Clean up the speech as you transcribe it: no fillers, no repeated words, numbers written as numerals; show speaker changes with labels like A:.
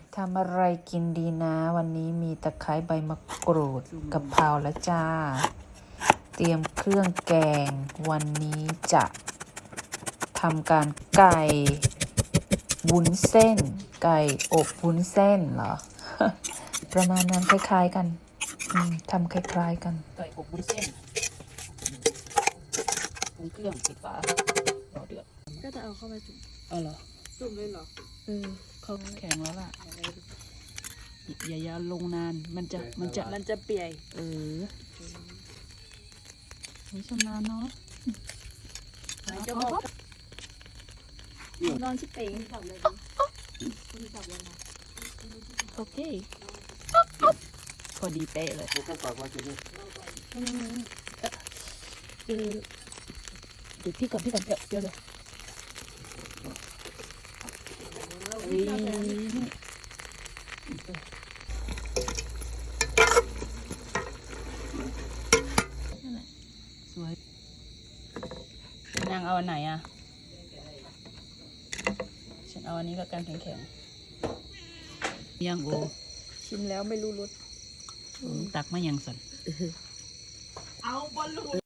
A: ทำอะไรกินดีนะวันนี้มีตะไคร้ใบมะกรูดกะเพราแล้วจ้าเตรียมเครื่องแกงวันนี้จะทำการไก่วุ้นเส้นไก่อบวุ้นเส้นเหรอ ประมาณนั้นคล้ายๆกันทำคล้ายๆกัน
B: ไก่อบวุ้นเส้นปรุงเครื่องปิดฝารอเดือด
C: ก็จะเอาเข้าไปจุ่ม
B: เหรอ
C: จุ่มเลยเหรอ
B: เขาแข็งแล้วล่ะอย่าลงนานมันจะ
C: เปียก
B: ไม่ชำนาญเนาะ
C: มันจะบอกนอนชิเป๋งจับเลยจับเลยนะ
B: โอเคพอดีเป๊ะเลยเดี๋ยวพี่ก่อนเดี๋ยวเลยสวยนางเอาอันไหนอ่ะฉันเอาอันนี้แล้วกันแข็งๆยังโอ
C: ชิมแล้วไม่รู้รส
B: ตักมายังสัน
C: เอาบอลลูน